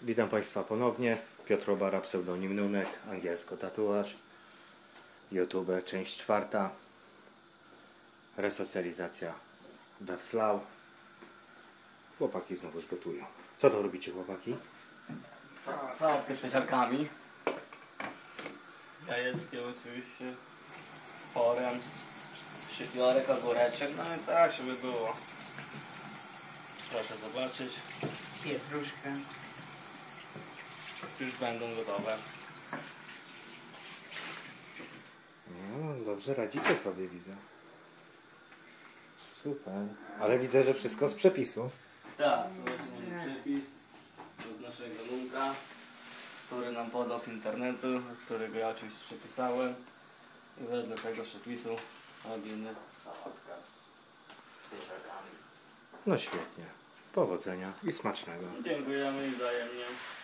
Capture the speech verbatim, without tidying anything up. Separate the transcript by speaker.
Speaker 1: Witam Państwa ponownie. Piotr Obara, pseudonim Nunek, angielsko tatuaż. YouTube, część czwarta. Resocjalizacja we Wslau. Chłopaki znowuż gotują. Co to robicie, chłopaki?
Speaker 2: Sa sałatkę z pieczarkami. Z jajeczkiem oczywiście. Z porem. Szczypiorek, ogóreczek. No i tak, żeby było. Proszę zobaczyć.
Speaker 3: Pietruszkę.
Speaker 2: Już będą gotowe.
Speaker 1: No, dobrze radzicie sobie, widzę. Super. Ale widzę, że wszystko z przepisu.
Speaker 2: Tak, to właśnie mamy przepis od naszego Nunka, który nam podał z internetu, którego ja oczywiście przepisałem. I wedle tego przepisu robimy sałatkę z pieczarkami.
Speaker 1: No świetnie. Powodzenia i smacznego.
Speaker 2: Dziękujemy i wzajemnie.